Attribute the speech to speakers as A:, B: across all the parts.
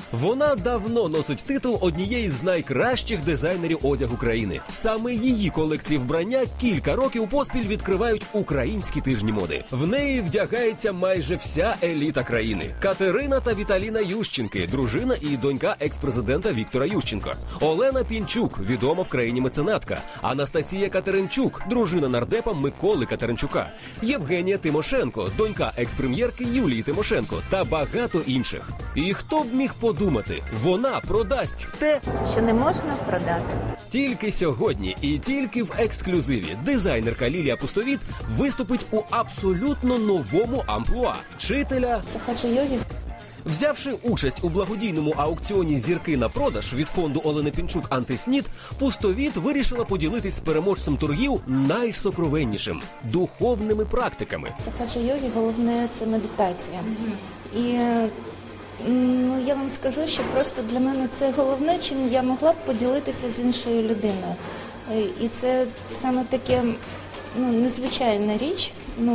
A: Вона давно носить титул однієї з найкращих дизайнерів одягу країни. Саме її колекції вбрання кілька років поспіль відкривають українські тижні моди. В неї вдягається майже вся еліта країни. Катерина та Віталіна Ющенки, дружина і донька екс-президента Віктора Ющенка. Олена Пінчук, відома в країні меценатка. Анастасія Катеринчук, дружина нардепа Миколи Катеринчука. Євгенія Тимошенко, донька екс-прем'єрки Юлії Тимошенко та багато інших. І хто б міг подумати, вона продасть те,
B: що не можна продати. Тільки
A: сьогодні і тільки в ексклюзиві дизайнерка Лілія Пустовіт виступить у абсолютно новому амплуа – вчителя
B: сахаджа-йоги.
A: Взявши участь у благодійному аукціоні «Зірки на продаж» від фонду Олени Пінчук «Антиснід», Пустовіт вирішила поділитись з переможцем торгів найсокровеннішим – духовними практиками.
B: Сахаджа-йоги головне – це медитація. І я вам скажу, що просто для мене це головне, чим я могла б поділитися з іншою людиною. І це саме таке незвичайна річ,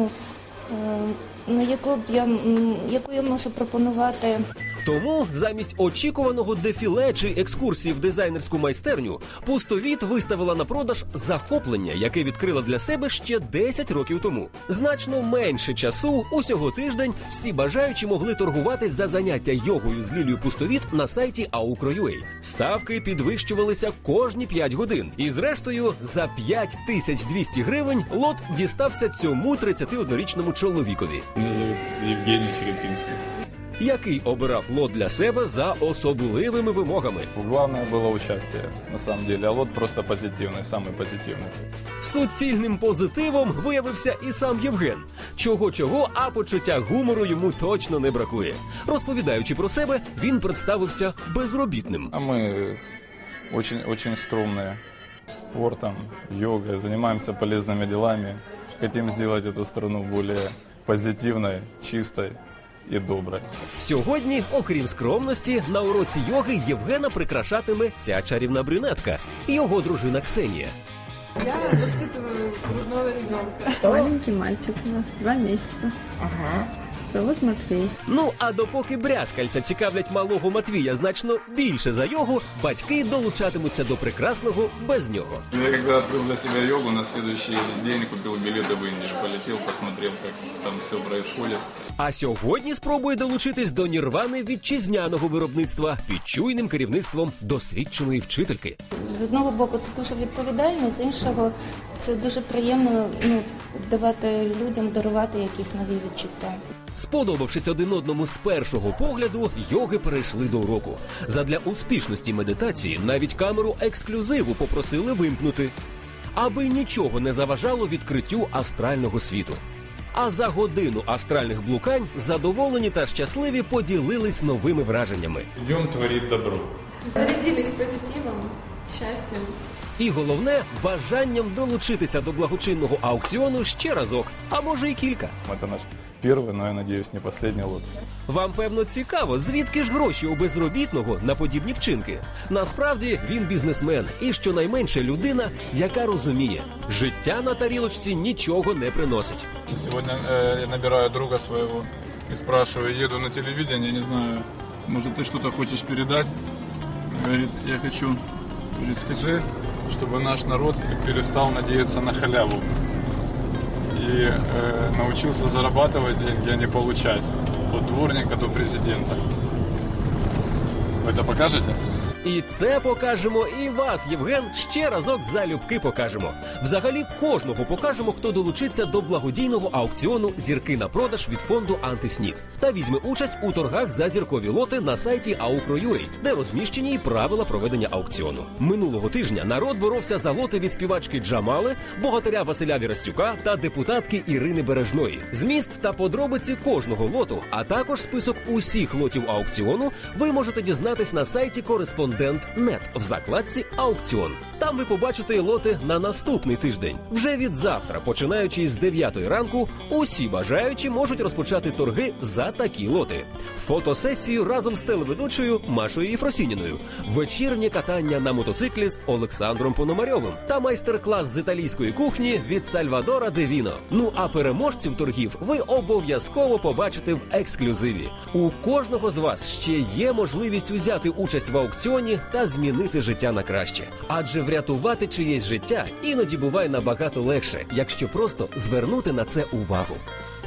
B: яку я можу пропонувати.
A: Тому замість очікуваного дефіле чи екскурсії в дизайнерську майстерню Пустовіт виставила на продаж захоплення, яке відкрила для себе ще 10 років тому. Значно менше часу, усього тиждень, всі бажаючі могли торгуватись за заняття йогою з Лілією Пустовіт на сайті aukro.ua. Ставки підвищувалися кожні 5 годин. І зрештою, за 5200 гривень лот дістався цьому 31-річному чоловікові.
C: Мене звуть Євгеній Черепінський.
A: Який обирав лот для себе за особливими вимогами.
C: Головне було участь, на самом деле, а лот просто позитивний, самий позитивний.
A: Суцільним позитивом виявився і сам Євген. Чого-чого, а почуття гумору йому точно не бракує. Розповідаючи про себе, він представився безробітним.
C: А ми очень скромні. Спортом, йогою, займаємося полезними делами. Хотим зробити цю страну більш позитивною, чистою і добре.
A: Сьогодні, окрім скромності, на уроці йоги Євгена прикрашатиме ця чарівна брюнетка – його дружина Ксенія.
D: Я воспитываю грудного ребенка.
E: Маленький мальчик у нас, 2 месяца.
D: Ага.
E: Зовут Матвей.
A: А допоки брязкальця цікавлять малого Матвія значно більше за йогу, батьки долучатимуться до прекрасного без нього.
C: Я коли відкрив для себе йогу, на наступний день купив білети в Індію, полетів, посмотрел, як там все відбувається.
A: А сьогодні спробує долучитись до нірвани вітчизняного виробництва під чуйним керівництвом досвідченої вчительки.
B: З одного боку це дуже відповідально, з іншого це дуже приємно давати людям, дарувати якісь нові відчуття.
A: Сподобавшись один одному з першого погляду, йоги перейшли до уроку. Задля успішності медитації навіть камеру ексклюзиву попросили вимкнути, аби нічого не заважало відкриттю астрального світу. А за годину астральних блукань задоволені та щасливі поділились новими враженнями.
C: Йдемо творити добро.
D: Зарядились позитивом, щастям.
A: І головне – бажанням долучитися до благочинного аукціону ще разок, а може і кілька.
C: Це наш перший, але, я сподіваюся, не останній лот.
A: Вам, певно, цікаво, звідки ж гроші у безробітного на подібні вчинки? Насправді, він бізнесмен і, щонайменше, людина, яка розуміє – життя на тарілочці нічого не приносить.
C: Сьогодні я набираю друга свого і спрашиваю, їду на телевидение, не знаю, може ти щось хочеш передати? Говорить, я хочу, говорит, скажи, чтобы наш народ перестал надеяться на халяву и научился зарабатывать деньги, а не получать. От дворника до президента. Вы это покажете?
A: І це покажемо, і вас, Євген, ще разок залюбки покажемо. Взагалі, кожного покажемо, хто долучиться до благодійного аукціону «Зірки на продаж» від фонду «Антиснід» та візьме участь у торгах за зіркові лоти на сайті aukro.ua, де розміщені й правила проведення аукціону. Минулого тижня народ боровся за лоти від співачки Джамали, богатиря Василя Вірастюка та депутатки Ірини Бережної. Зміст та подробиці кожного лоту, а також список усіх лотів аукціону ви можете дізнатись на сайті кореспондента Кореспондент.нет в закладці «Аукціон». Там ви побачите лоти на наступний тиждень. Вже від завтра, починаючи з 9 ранку, усі бажаючі можуть розпочати торги за такі лоти. Фотосесію разом з телеведучою Машою Єфросініною, вечірнє катання на мотоциклі з Олександром Пономарьовим та майстер-клас з італійської кухні від Сальвадора Де Віно. Ну а переможців торгів ви обов'язково побачите в ексклюзиві. У кожного з вас ще є можливість взяти участь в аукціоні та змінити життя на краще. Адже врятувати чиєсь життя іноді буває набагато легше, якщо просто звернути на це увагу.